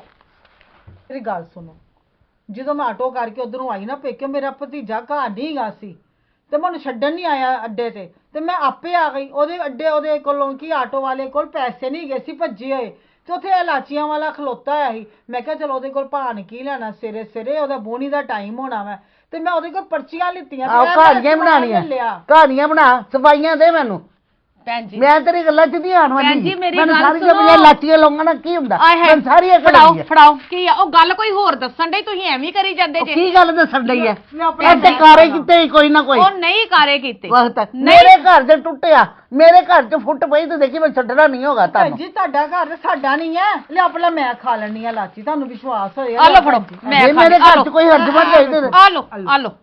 Speaker 3: ਮੇਰੀ ਗੱਲ ਸੁਣੋ, ਜਦੋਂ ਮੈਂ ਆਟੋ ਕਰਕੇ ਉਧਰੋਂ ਆਈ ਨਾ ਪੇਕੇ, ਮੇਰਾ ਭਤੀਜਾ ਘਰ ਨਹੀਂ ਗਾ ਸੀ ਤੇ ਮੈਨੂੰ ਛੱਡਣ ਨਹੀਂ ਆਇਆ ਅੱਡੇ ਤੇ, ਤੇ ਮੈਂ ਆਪੇ ਆ ਗਈ। ਉਹਦੇ ਅੱਡੇ ਉਹਦੇ ਕੋਲੋਂ ਕੀ ਆਟੋ ਵਾਲੇ ਕੋਲ ਪੈਸੇ ਨਹੀਂ ਗਏ ਸੀ ਭੱਜੇ ਹੋਏ, ਤੇ ਉੱਥੇ ਇਲਾਚੀਆਂ ਵਾਲਾ ਖਲੋਤਾ ਹੋਇਆ ਸੀ। ਮੈਂ ਕਿਹਾ ਚਲੋ ਉਹਦੇ ਕੋਲ ਭਾਣ ਕੀ ਲੈਣਾ, ਸਵੇਰੇ ਸਵੇਰੇ ਉਹਦਾ ਬੋਣੀ ਦਾ ਟਾਈਮ ਹੋਣਾ ਵਾ, ਤੇ ਮੈਂ ਉਹਦੇ ਕੋਲ ਪਰਚੀਆਂ ਲਿੱਤੀਆਂ।
Speaker 1: ਆਹ ਕਹਾਣੀਆਂ ਬਣਾਉਣੀਆਂ, ਕਹਾਣੀਆਂ ਬਣਾ, ਸਫਾਈਆਂ ਦੇ ਮੈਨੂੰ।
Speaker 2: ਭੈਣ ਜੀ
Speaker 1: ਮੈਂ ਤੇਰੀ ਗੱਲਾਂ ਚ ਨਹੀਂ ਆਣ ਵਾਲੀ।
Speaker 2: ਭੈਣ ਜੀ, ਮੇਰੀ
Speaker 1: ਮੈਨੂੰ
Speaker 2: ਗੱਲ
Speaker 1: ਸਾਰੀ
Speaker 2: ਸੁਣੋ।
Speaker 1: ਜਮੀਆਂ ਲਾਚੀਆਂ ਲਾਉਂਗਾ ਨਾ ਕੀ ਹੁੰਦਾ?
Speaker 2: ਆਏ ਹਾਏ,
Speaker 1: ਮੈਨੂੰ ਸਾਰੀਆਂ
Speaker 2: ਫੜਾਓ
Speaker 1: ਕਹਾਣੀਆਂ।
Speaker 2: ਫੜਾਓ ਕੀ ਆ ਉਹ ਗੱਲ ਕੋਈ ਹੋਰ ਦੱਸਣ ਡਈ, ਤੁਸੀਂ ਐਵੇਂ ਹੀ ਕਰੀ ਜਾਂਦੇ
Speaker 1: ਉਹ
Speaker 2: ਜੇ।
Speaker 1: ਕੀ ਗੱਲ ਦੱਸਣ ਡਈ ਹੈ?
Speaker 3: ਮੈਂ ਆਪਣਾ
Speaker 1: ਇੱਥੇ ਕਾਰੇ ਕਿਤੇ ਕੋਈ ਨਾ ਕੋਈ
Speaker 2: ਉਹ ਨਹੀਂ ਕਾਰੇ ਕੀਤੇ।
Speaker 1: ਵਕਤ ਮੇਰੇ ਘਰ ਦੇ ਟੁੱਟਿਆ, ਮੇਰੇ ਘਰ ਚ ਫੁੱਟ ਪਈ ਤੇ ਦੇਖੀ ਮੈਂ ਛੱਡਣਾ ਨਹੀਂ ਹੋਗਾ
Speaker 3: ਭੈਣ
Speaker 1: ਤੁਹਾਨੂੰ।
Speaker 3: ਜੀ ਤੁਹਾਡਾ ਘਰ ਤੇ ਸਾਡਾ ਨਹੀਂ ਹੈ। ਲਿਆ ਪਹਿਲਾਂ ਮੈਂ ਖਾ ਲੈਣੀ ਆ ਲਾਚੀ, ਤੁਹਾਨੂੰ ਵਿਸ਼ਵਾਸ ਹੋਇਆ?
Speaker 2: ਆ ਲਓ ਫੜੋ, ਮੈਂ
Speaker 1: ਜੇ
Speaker 2: ਖਾ
Speaker 1: ਮੇਰੇ
Speaker 2: ਲਈ, ਆ
Speaker 1: ਘਰ
Speaker 2: ਲਓ
Speaker 1: ਚ ਕੋਈ ਹਰਜਮਤ ਚਾਹੀਦੇ
Speaker 2: ਆ ਲਓ ਆ ਲਓ।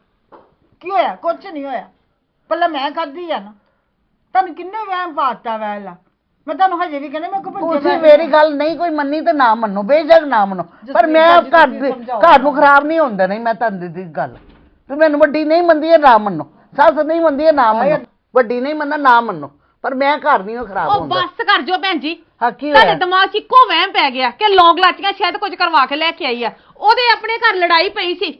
Speaker 3: ਕੀ ਹੋਇਆ? ਕੁਛ ਨਹੀਂ ਹੋਇਆ, ਪਹਿਲਾਂ ਮੈਂ ਖਾਧੀ ਆ ਨਾ। ਤੁਹਾਨੂੰ ਕਿੰਨੇ ਵਹਿਮ ਪਾਤਾ ਵੈਲਾ, ਮੈਂ ਤੁਹਾਨੂੰ ਹਜੇ ਵੀ ਕਹਿੰਦੇ ਮੈਂ ਕੋ ਭੱਜੇ।
Speaker 1: ਤੁਸੀਂ ਮੇਰੀ ਗੱਲ ਨਹੀਂ ਕੋਈ ਮੰਨੀ ਤੇ ਨਾ ਮੰਨੋ, ਬੇਸ਼ੱਕ ਨਾ ਮੰਨੋ, ਪਰ ਮੈਂ
Speaker 3: ਜਸਵੀਰ
Speaker 1: ਘਰ
Speaker 3: ਜੀ
Speaker 1: ਦੇ
Speaker 3: ਸਮਝਾਓ।
Speaker 1: ਘਰ ਨੂੰ ਖਰਾਬ ਨਹੀਂ ਹੁੰਦਾ। ਨਹੀਂ ਮੈਂ ਤੁਹਾਨੂੰ ਦੀ ਗੱਲ ਤੇ ਮੈਨੂੰ ਵੱਡੀ ਨਹੀਂ ਮੰਨਦੀ ਹੈ ਨਾ ਮੰਨੋ, ਸੱਸ ਨਹੀਂ ਮੰਨਦੀ ਹੈ ਨਾ ਮੰਨੋ, ਵੱਡੀ ਨਹੀਂ ਮੰਨਦਾ ਨਾ ਮੰਨੋ, ਪਰ ਮੈਂ ਘਰ ਨਹੀਂ ਖਰਾਬ
Speaker 2: ਉਹ
Speaker 1: ਹੁੰਦਾ।
Speaker 2: ਬਸ ਕਰ ਜੋ ਭੈਣ ਜੀ,
Speaker 1: ਹਾਂ ਕੀ
Speaker 2: ਤੁਹਾਡੇ
Speaker 1: ਹੋਇਆ?
Speaker 2: ਦਿਮਾਗ 'ਚ ਇੱਕੋ ਵਹਿਮ ਪੈ ਗਿਆ ਕਿ ਲੌਂਗ ਲਾਚੀਆਂ ਸ਼ਾਇਦ ਕੁਝ ਕਰਵਾ ਕੇ ਲੈ ਕੇ ਆਈ ਆ। ਉਹਦੇ ਆਪਣੇ ਘਰ ਲੜਾਈ ਪਈ ਸੀ।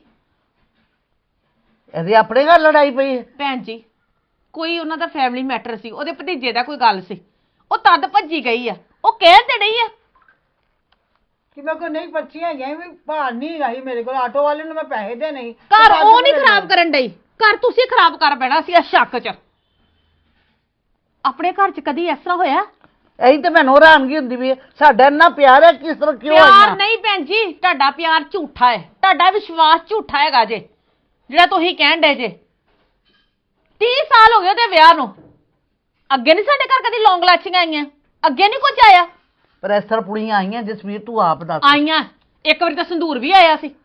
Speaker 1: ਇਹਦੇ ਆਪਣੇ ਘਰ ਲੜਾਈ ਪਈ ਹੈ?
Speaker 2: ਭੈਣ ਜੀ ਕੋਈ ਉਹਨਾਂ ਦਾ ਫੈਮਿਲੀ ਮੈਟਰ ਸੀ, ਉਹਦੇ ਭਤੀਜੇ ਦਾ ਕੋਈ ਗੱਲ ਸੀ, ਉਹ ਤਦ ਭੱਜੀ ਗਈ ਆ। ਉਹ ਕਹਿ ਤੇ ਨਹੀਂ ਆ
Speaker 3: ਕਿ ਮੇਰੇ ਕੋਲ ਨਹੀਂ ਪਰਚੀਆਂ ਹੈਗੀਆਂ ਵੀ ਭਾਰ ਨਹੀਂ ਗਈ ਮੇਰੇ ਕੋਲ ਆਟੋ ਵਾਲੇ ਨੂੰ ਮੈਂ ਪੈਸੇ ਦੇ ਨਹੀਂ
Speaker 2: ਘਰ ਉਹ ਨਹੀਂ ਖਰਾਬ ਕਰਨ ਡਈ, ਘਰ ਤੁਸੀਂ ਖਰਾਬ ਕਰ ਬੈਣਾ ਸੀ ਇਸ ਸ਼ੱਕ 'ਚ। ਆਪਣੇ ਘਰ 'ਚ ਕਦੀ ਇਸ ਤਰ੍ਹਾਂ ਹੋਇਆ?
Speaker 1: ਇਹੀ ਤੇ ਮੈਨੂੰ ਹੈਰਾਨਗੀ ਹੁੰਦੀ ਵੀ ਸਾਡਾ ਇੰਨਾ ਪਿਆਰ ਹੈ, ਕਿਸ ਤਰ੍ਹਾਂ ਕਿਉਂ
Speaker 2: ਪਿਆਰ
Speaker 1: ਆਈਆਂ?
Speaker 2: ਨਹੀਂ ਭੈਣ ਜੀ, ਤੁਹਾਡਾ ਪਿਆਰ ਝੂਠਾ ਹੈ, ਤੁਹਾਡਾ ਵਿਸ਼ਵਾਸ ਝੂਠਾ ਹੈਗਾ ਜੇ, ਜਿਹੜਾ ਤੁਸੀਂ ਕਹਿਣ ਡੇ ਜੇ। ਤੀਹ ਸਾਲ ਹੋ ਗਏ ਉਹਦੇ ਵਿਆਹ ਨੂੰ, ਅੱਗੇ ਨਹੀਂ ਸਾਡੇ ਘਰ ਕਦੀ ਲੌਂਗ ਲਾਚੀਆਂ ਆਈਆਂ, ਅੱਗੇ ਨਹੀਂ ਕੁਝ ਆਇਆ।
Speaker 1: ਪਰ ਇਸ ਤਰ੍ਹਾਂ ਪੁੜੀਆਂ ਆਈਆਂ ਜਸਵੀਰ, ਤੂੰ ਆਪ ਦੱਸ।
Speaker 2: ਆਈਆਂ, ਇੱਕ ਵਾਰੀ ਤਾਂ ਸੰਧੂਰ ਵੀ ਆਇਆ ਸੀ।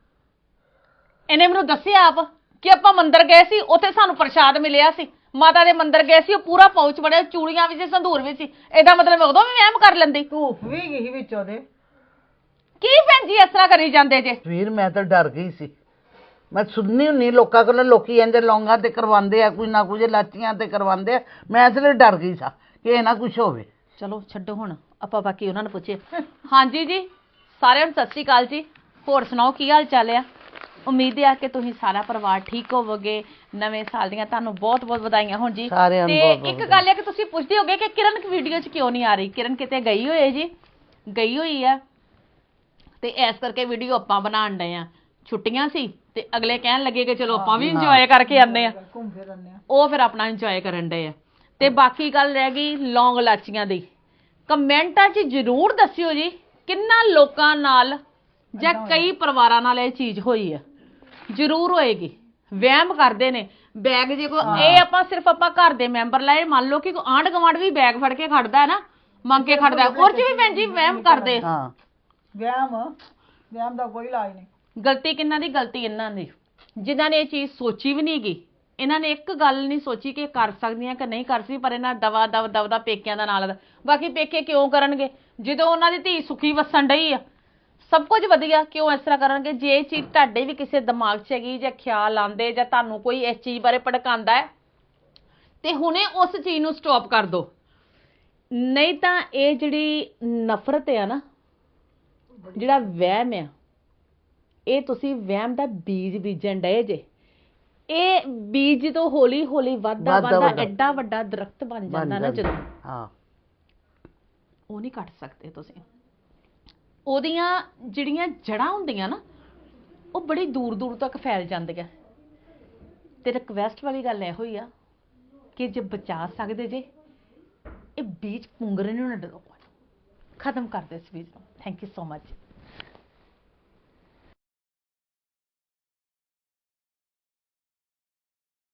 Speaker 2: ਇਹਨੇ ਮੈਨੂੰ ਦੱਸਿਆ ਆਪ ਕਿ ਆਪਾਂ ਮੰਦਿਰ ਗਏ ਸੀ, ਉੱਥੇ ਸਾਨੂੰ ਪ੍ਰਸ਼ਾਦ ਮਿਲਿਆ ਸੀ, ਮਾਤਾ ਦੇ ਮੰਦਿਰ ਗਏ ਸੀ, ਉਹ ਪੂਰਾ ਪਾਉਚ ਬਣਿਆ, ਚੂੜੀਆਂ ਵੀ ਸੀ, ਸੰਧੂਰ ਵੀ ਸੀ। ਇਹਦਾ ਮਤਲਬ ਉਦੋਂ ਵੀ ਵਹਿਮ ਕਰ ਲੈਂਦੀ।
Speaker 3: ਧੂਫ ਵੀ ਗਈ ਵਿੱਚ ਉਹਦੇ।
Speaker 2: ਕੀ ਭੈਣ ਜੀ ਇਸ ਤਰ੍ਹਾਂ ਕਰੀ ਜਾਂਦੇ ਜੇ?
Speaker 1: ਵੀਰ ਮੈਂ ਤਾਂ ਡਰ ਗਈ ਸੀ। ਮੈਂ ਸੁਣਨੀ ਹੁੰਨੀ ਲੋਕਾਂ ਕੋਲੋਂ, ਲੋਕੀ ਇੰਜ ਲੌਂਗਾਂ ਤੇ ਕਰਵਾਉਂਦੇ ਆ, ਕੁਝ ਨਾ ਕੁਝ ਲਾਚੀਆਂ ਤੇ ਕਰਵਾਉਂਦੇ ਆ, ਮੈਂ ਇਸ ਲਈ ਡਰ ਗਈ ਸਾਂ ਕਿ ਇਹ ਨਾ ਕੁਝ ਹੋਵੇ।
Speaker 2: ਚਲੋ ਛੱਡੋ, ਹੁਣ ਆਪਾਂ ਬਾਕੀ ਉਹਨਾਂ ਨੂੰ ਪੁੱਛੀਏ। ਹਾਂਜੀ ਜੀ, ਸਾਰਿਆਂ ਨੂੰ ਸਤਿ ਸ਼੍ਰੀ ਅਕਾਲ ਜੀ। ਹੋਰ ਸੁਣਾਓ ਕੀ ਹਾਲ ਚਾਲ ਆ? ਉਮੀਦ ਹੈ ਕਿ ਤੁਸੀਂ ਸਾਰਾ ਪਰਿਵਾਰ ਠੀਕ ਹੋਵੋਗੇ। ਨਵੇਂ ਸਾਲ ਦੀਆਂ ਤੁਹਾਨੂੰ ਬਹੁਤ ਬਹੁਤ ਵਧਾਈਆਂ ਹੋਣ ਜੀ।
Speaker 1: ਸਾਰਿਆਂ ਨੂੰ
Speaker 2: ਤੇ
Speaker 1: ਬਹੁਤ ਬਹੁਤ
Speaker 2: ਇੱਕ ਗੱਲ ਹੈ ਕਿ ਤੁਸੀਂ ਪੁੱਛਦੇ ਹੋਗੇ ਕਿ ਕਿਰਨ ਵੀਡੀਓ 'ਚ ਕਿਉਂ ਨਹੀਂ ਆ ਰਹੀ। ਕਿਰਨ ਕਿਤੇ ਗਈ ਹੋਈ ਹੈ ਜੀ, ਗਈ ਹੋਈ ਆ, ਤੇ ਇਸ ਕਰਕੇ ਵੀਡੀਓ ਆਪਾਂ ਬਣਾਉਣ ਡਏ ਆ। ਛੁੱਟੀਆਂ ਸੀ ਤੇ ਅਗਲੇ ਕਹਿਣ ਲੱਗੇ ਕਿ ਚਲੋ ਆਪਾਂ ਵੀ ਇੰਜੋਏ ਕਰਕੇ ਆਉਂਦੇ ਆ,
Speaker 3: ਘੁੰਮ ਫਿਰ ਆਉਂਦੇ ਆ।
Speaker 2: ਉਹ ਫਿਰ ਆਪਣਾ ਇੰਜੋਏ ਕਰਨ ਡਏ ਆ। ਤੇ ਬਾਕੀ ਗੱਲ ਰਹਿ ਗਈ ਲੌਂਗ ਲਾਚੀਆਂ ਦੀ। ਕਮੈਂਟਾਂ 'ਚ ਜ਼ਰੂਰ ਦੱਸਿਓ ਜੀ ਕਿੰਨਾ ਲੋਕਾਂ ਨਾਲ ਜਾਂ ਕਈ ਪਰਿਵਾਰਾਂ ਨਾਲ ਇਹ ਚੀਜ਼ ਹੋਈ ਆ। ਜ਼ਰੂਰ ਹੋਏਗੀ। ਵਹਿਮ ਕਰਦੇ ਨੇ ਬੈਗ ਜੇ ਕੋ, ਇਹ ਆਪਾਂ ਸਿਰਫ ਆਪਾਂ ਘਰ ਦੇ ਮੈਂਬਰ ਲਾਏ, ਮੰਨ ਲਓ ਕਿ ਕੋਈ ਆਂਢ ਗੁਆਂਢ ਵੀ ਬੈਗ ਫੜ ਕੇ ਖੜਦਾ ਹੈ ਨਾ, ਮੰਗ ਕੇ ਖੜਦਾ, ਉਹ 'ਚ ਵੀ ਭੈਣ ਜੀ ਵਹਿਮ ਕਰਦੇ।
Speaker 1: ਹਾਂ,
Speaker 3: ਵਹਿਮ ਵਹਿਮ ਦਾ ਕੋਈ ਇਲਾਜ ਨਹੀਂ।
Speaker 2: ਗਲਤੀ ਕਿਹਨਾਂ ਦੀ? ਗਲਤੀ ਇਹਨਾਂ ਦੀ, ਜਿਨ੍ਹਾਂ ਨੇ ਇਹ ਚੀਜ਼ ਸੋਚੀ ਵੀ ਨਹੀਂ ਗਈ। ਇਹਨਾਂ ਨੇ ਇੱਕ ਗੱਲ ਨਹੀਂ ਸੋਚੀ ਕਿ ਕਰ ਸਕਦੀਆਂ ਕਿ ਨਹੀਂ ਕਰ ਸਕਦੀ, ਪਰ ਇਹਨਾਂ ਦਵਾ ਦਵ ਦਵ ਦਾ ਪੇਕਿਆਂ ਦਾ ਨਾਲ। ਬਾਕੀ ਪੇਕੇ ਕਿਉਂ ਕਰਨਗੇ ਜਦੋਂ ਉਹਨਾਂ ਦੀ ਧੀ ਸੁਖੀ ਵਸਣ ਡਈ ਆ, ਸਭ ਕੁਝ ਵਧੀਆ, ਕਿਉਂ ਇਸ ਤਰ੍ਹਾਂ ਕਰਨਗੇ? ਜੇ ਇਹ ਚੀਜ਼ ਤੁਹਾਡੇ ਵੀ ਕਿਸੇ ਦਿਮਾਗ 'ਚ ਹੈਗੀ ਜਾਂ ਖਿਆਲ ਆਉਂਦੇ ਜਾਂ ਤੁਹਾਨੂੰ ਕੋਈ ਇਸ ਚੀਜ਼ ਬਾਰੇ ਭੜਕਾਉਂਦਾ ਹੈ, ਤੇ ਹੁਣੇ ਉਸ ਚੀਜ਼ ਨੂੰ ਸਟਾਪ ਕਰ ਦਿਓ। ਨਹੀਂ ਤਾਂ ਇਹ ਜਿਹੜੀ ਨਫ਼ਰਤ ਆ ਨਾ, ਜਿਹੜਾ ਵਹਿਮ ਆ, ਇਹ ਤੁਸੀਂ ਵਹਿਮ ਦਾ ਬੀਜ ਬੀਜਣ ਡਏ ਜੇ। ਇਹ ਬੀਜ ਤੋਂ ਹੌਲੀ ਹੌਲੀ ਵੱਧਦਾ ਵੱਧਦਾ ਐਡਾ ਵੱਡਾ ਦਰਖਤ ਬਣ ਜਾਂਦਾ ਨਾ ਜਦੋਂ,
Speaker 1: ਹਾਂ,
Speaker 2: ਉਹ ਨਹੀਂ ਕੱਟ ਸਕਦੇ ਤੁਸੀਂ। ਉਹਦੀਆਂ ਜਿਹੜੀਆਂ ਜੜ੍ਹਾਂ ਹੁੰਦੀਆਂ ਨਾ, ਉਹ ਬੜੀ ਦੂਰ ਦੂਰ ਤੱਕ ਫੈਲ ਜਾਂਦੀਆਂ। ਤੇ ਰਿਕਵੈਸਟ ਵਾਲੀ ਗੱਲ ਇਹੋ ਹੀ ਆ ਕਿ ਜੇ ਬਚਾ ਸਕਦੇ ਜੇ, ਇਹ ਬੀਜ ਪੁੰਗਰੇ ਨੂੰ ਨਾ ਡਰੋ, ਖਤਮ ਕਰ ਦਿਓ ਇਸ ਬੀਜ ਨੂੰ। Thank you so much.